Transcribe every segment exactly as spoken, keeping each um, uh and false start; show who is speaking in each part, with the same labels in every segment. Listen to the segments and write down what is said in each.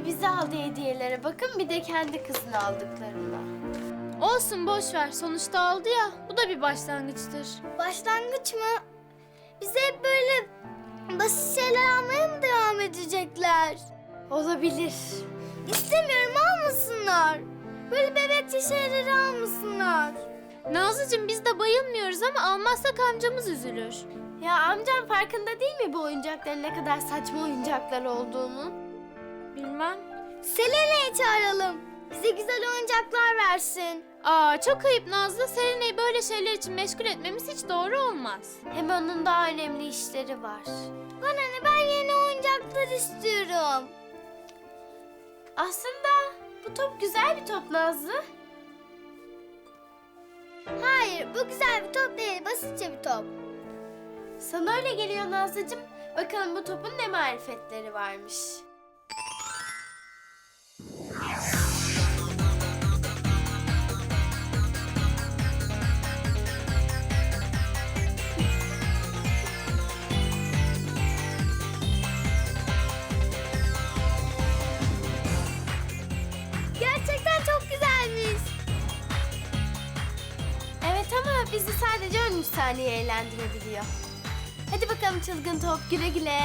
Speaker 1: bir bize aldı hediyelere bakın, bir de kendi kızına aldıklarına.
Speaker 2: Olsun, boş ver. Sonuçta aldı ya. Bu da bir başlangıçtır.
Speaker 3: Başlangıç mı? Bize hep böyle basit şeyler almaya mı devam edecekler?
Speaker 1: Olabilir.
Speaker 3: İstemiyorum, almasınlar. Böyle bebekçe şeyleri almasınlar.
Speaker 2: Nazlıcığım, biz de bayılmıyoruz ama almazsak amcamız üzülür.
Speaker 1: Ya amcam farkında değil mi bu oyuncakların ne kadar saçma oyuncaklar olduğunu?
Speaker 2: Bilmem.
Speaker 3: Selena'yı çağıralım. Bize güzel oyuncaklar versin.
Speaker 2: Aa, çok ayıp Nazlı. Serenay'ı böyle şeyler için meşgul etmemiz hiç doğru olmaz.
Speaker 1: Hem onun daha önemli işleri var.
Speaker 3: Bana ne, ben yeni oyuncaklar istiyorum.
Speaker 1: Aslında bu top güzel bir top Nazlı.
Speaker 3: Hayır, bu güzel bir top değil, basitçe bir top.
Speaker 1: Sana öyle geliyor Nazlıcığım. Bakalım bu topun ne marifetleri varmış.
Speaker 3: Gerçekten çok güzelmiş.
Speaker 1: Evet ama bizi sadece on üç saniye eğlendirebiliyor. Hadi bakalım çılgın top, güle güle.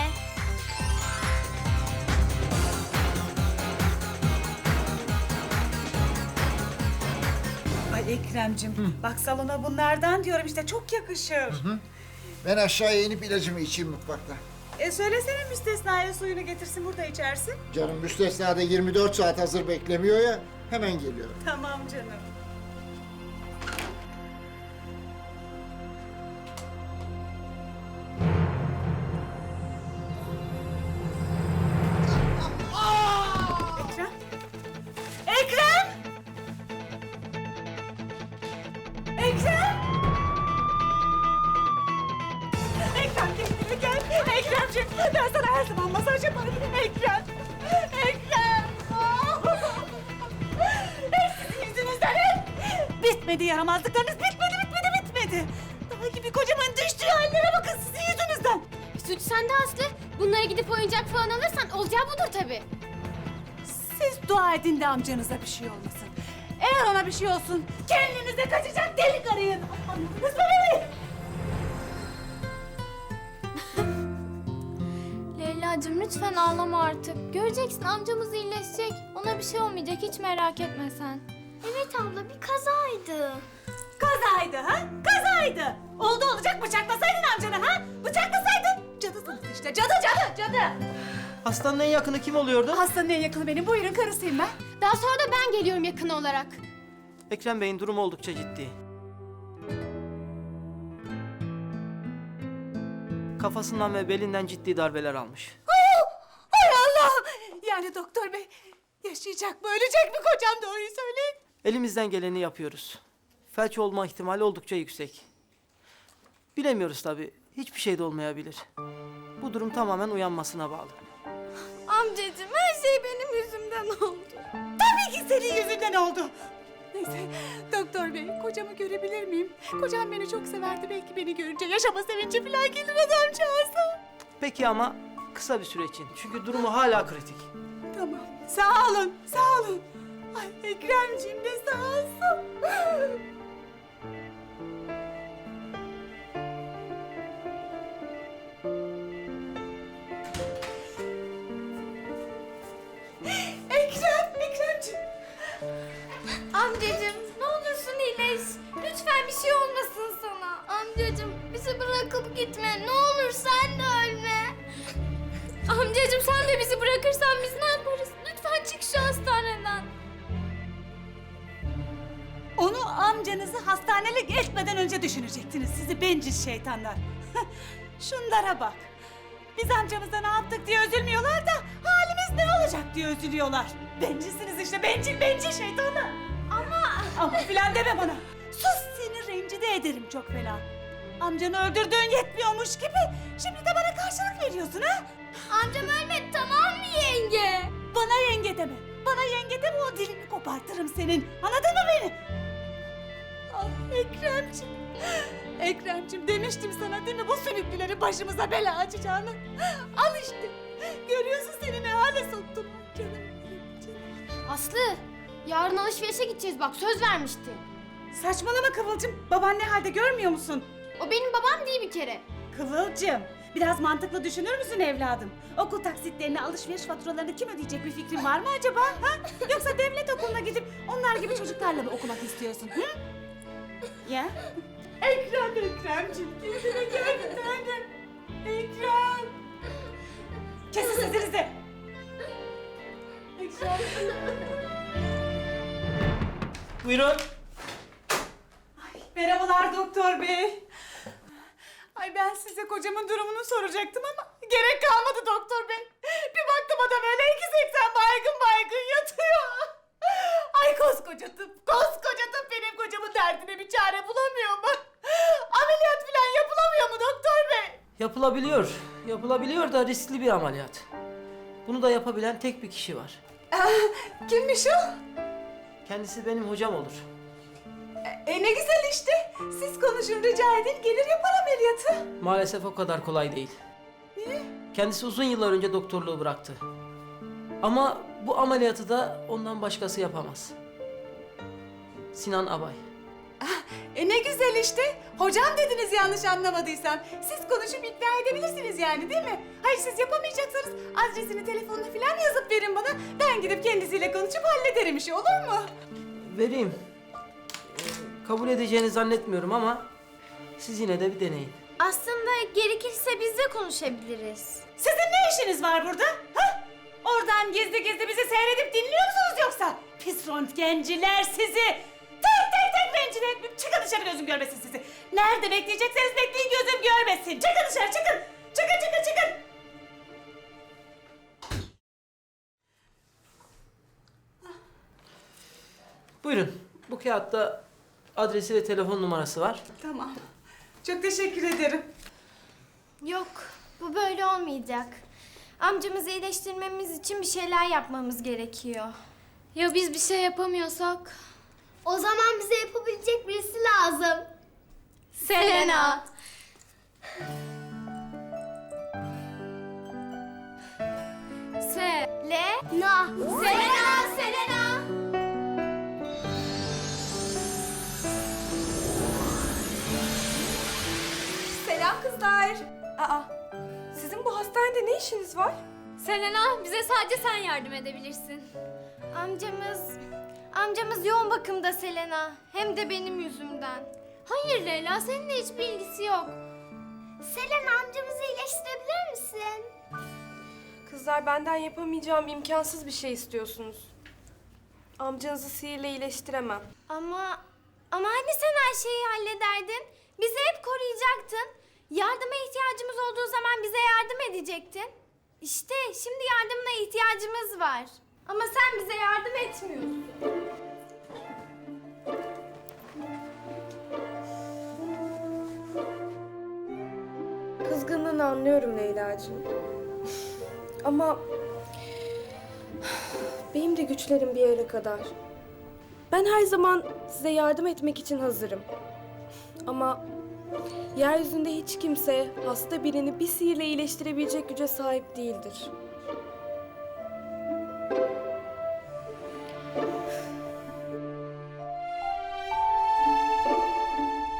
Speaker 4: Ay Ekrem'cim, bak salona bunlardan diyorum işte, çok yakışır.
Speaker 5: Ben aşağıya inip ilacımı içeyim mutfakta.
Speaker 4: E söylesene müstesnaya suyunu getirsin, burada içersin.
Speaker 5: Canım müstesna da yirmi dört saat hazır beklemiyor ya, hemen geliyorum.
Speaker 4: Tamam canım. Ekrem? Ekrem! Ekrem! Ekrem kendine gel. Ekremciğim, ben sana her zaman masaj yaparım. Ekrem! Ekrem! Hep sizin yüzünüzden hep! Bitmedi yaramazlıklarınız, bitmedi, bitmedi, bitmedi. Daha gibi kocaman düştüğü hallere bakın sizin yüzünüzden.
Speaker 2: Suç sende Aslı. Bunlara gidip oyuncak falan alırsan olacağı budur tabii.
Speaker 4: Siz dua edin de amcanıza bir şey olmasın. Eğer ona bir şey olsun, kendinize kaçacak delik arayın. Anladınız mı beni?
Speaker 2: Leyla'cığım, lütfen ağlama artık. Göreceksin, amcamız iyileşecek. Ona bir şey olmayacak, hiç merak etme sen.
Speaker 3: Evet abla, bir kazaydı.
Speaker 4: Kazaydı ha? Kazaydı. Oldu olacak bıçaklasaydın amcanı ha? Bıçaklasaydın. Cadısınız işte, cadı cadı cadı.
Speaker 6: Hastanın en yakını kim oluyordu?
Speaker 4: Hastanın en yakını benim, buyurun karısıyım ben.
Speaker 2: Daha sonra da ben geliyorum yakın olarak.
Speaker 6: Ekrem Bey'in durumu oldukça ciddi. Kafasından ve belinden ciddi darbeler almış.
Speaker 4: Hay Allah'ım! Yani doktor bey, yaşayacak mı, ölecek mi kocam, doğruyu söyleyin.
Speaker 6: Elimizden geleni yapıyoruz. Felç olma ihtimali oldukça yüksek. Bilemiyoruz tabii. Hiçbir şey de olmayabilir. Bu durum tamamen uyanmasına bağlı.
Speaker 3: Amcacığım, her şey benim yüzümden oldu.
Speaker 4: Tabii ki senin yüzünden oldu. Neyse, doktor bey, kocamı görebilir miyim? Kocam beni çok severdi, belki beni görünce yaşama sevinci falan gelir adamcağıza.
Speaker 6: Peki ama kısa bir süre için. Çünkü durumu hala kritik.
Speaker 4: Tamam, sağ olun, sağ olun. Ay Ekremciğim de sağ olsun. Ekrem, Ekremciğim.
Speaker 3: Amcacığım, ne olursun iyileş. Lütfen bir şey olmasın sana. Amcacığım, bizi bırakıp gitme. Ne olur sen de ölme.
Speaker 2: Amcacığım, sen de bizi bırakırsan biz ne yaparız? Lütfen çık şu hastaneden.
Speaker 4: Onu amcanızı hastanelik etmeden önce düşünecektiniz sizi bencil şeytanlar. Şunlara bak. Biz amcamıza ne yaptık diye üzülmüyorlar da halimiz ne olacak diye üzülüyorlar. Bencilsiniz işte, bencil bencil şeytanlar. Ama... Ama filan deme bana. Sus, seni rencide ederim çok fena. Amcanı öldürdüğün yetmiyormuş gibi şimdi de bana karşılık veriyorsun ha?
Speaker 3: Amcam ölmedi, tamam mı yenge?
Speaker 4: Bana yenge deme. Bana yenge deme, o dilini kopartırım senin. Anladın mı beni? Ah Ekremciğim. Ekremciğim, demiştim sana değil mi bu sülüklüleri başımıza bela açacağını? Al işte. Görüyorsun seni ne hale soktum canım.
Speaker 3: Aslı, yarın alışverişe gideceğiz bak söz vermiştin.
Speaker 4: Saçmalama Kıvılcım. Baban ne halde görmüyor musun?
Speaker 3: O benim babam değil bir kere.
Speaker 4: Kıvılcım, biraz mantıklı düşünür müsün evladım? Okul taksitlerini, alışveriş faturalarını kim ödeyecek bir fikrin var mı acaba? Ha? Yoksa devlet okuluna gidip onlar gibi çocuklarla mı okumak istiyorsun? Hı? Ya? Ekrem, Ekremciğim, kendine gel bir tanem. Ekrem. Kesin sesinizi. Ekrem.
Speaker 6: Buyurun.
Speaker 4: Merhabalar doktor bey. Ay ben size kocamın durumunu soracaktım ama gerek kalmadı doktor bey. Bir baktım adam öyle iki seksen baygın baygın yatıyor. Ay koskoca tıp, koskoca tıp benim kocamın derdine bir çare bulamıyor mu? Ameliyat falan yapılamıyor mu doktor bey?
Speaker 6: Yapılabiliyor. Yapılabiliyor da riskli bir ameliyat. Bunu da yapabilen tek bir kişi var.
Speaker 4: Kimmiş o?
Speaker 6: Kendisi benim hocam olur.
Speaker 4: E ne güzel işte. Siz konuşun rica edin gelir yapar ameliyatı.
Speaker 6: Maalesef o kadar kolay değil.
Speaker 4: Niye?
Speaker 6: Kendisi uzun yıllar önce doktorluğu bıraktı. Ama bu ameliyatı da ondan başkası yapamaz. Sinan Abay.
Speaker 4: E ne güzel işte. Hocam dediniz yanlış anlamadıysam. Siz konuşup ikna edebilirsiniz yani değil mi? Hayır siz yapamayacaksanız adresini telefonunu falan yazıp verin bana. Ben gidip kendisiyle konuşup hallederim işi olur mu?
Speaker 6: Vereyim. Ee, kabul edeceğini zannetmiyorum ama siz yine de bir deneyin.
Speaker 3: Aslında gerekirse biz de konuşabiliriz.
Speaker 4: Sizin ne işiniz var burada? Ha? Oradan gizli gizli bizi seyredip dinliyor musunuz yoksa? Pis röntgenciler sizi! Tek tek tek rencide etmeyeyim. Çıkın dışarı gözüm görmesin sizi. Nerede bekleyecekseniz bekleyin gözüm görmesin. Çıkın dışarı çıkın. Çıkın çıkın çıkın.
Speaker 6: Buyurun. Bu kağıtta adresi ve telefon numarası var.
Speaker 4: Tamam. Çok teşekkür ederim.
Speaker 1: Yok, bu böyle olmayacak. Amcamızı iyileştirmemiz için bir şeyler yapmamız gerekiyor.
Speaker 2: Ya biz bir şey yapamıyorsak?
Speaker 3: O zaman bize yapabilecek birisi lazım.
Speaker 2: Selena. Se.
Speaker 1: Le,
Speaker 3: Na. Selena, Selena.
Speaker 7: Selam kızlar. Aa, sizin bu hastanede ne işiniz var?
Speaker 2: Selena, bize sadece sen yardım edebilirsin.
Speaker 1: amcamız... Amcamız yoğun bakımda Selena. Hem de benim yüzümden.
Speaker 2: Hayır Leyla, seninle hiçbir ilgisi yok.
Speaker 3: Selena amcamızı iyileştirebilir misin?
Speaker 7: Kızlar benden yapamayacağım imkansız bir şey istiyorsunuz. Amcanızı sihirle iyileştiremem.
Speaker 1: Ama... Ama hani sen her şeyi hallederdin? Bizi hep koruyacaktın. Yardıma ihtiyacımız olduğu zaman bize yardım edecektin. İşte şimdi yardımına ihtiyacımız var. Ama sen bize yardım etmiyorsun.
Speaker 7: Kızgınlığını anlıyorum Leyla'cığım. Ama benim de güçlerim bir yere kadar. Ben her zaman size yardım etmek için hazırım. Ama yeryüzünde hiç kimse hasta birini bir sihirle iyileştirebilecek güce sahip değildir.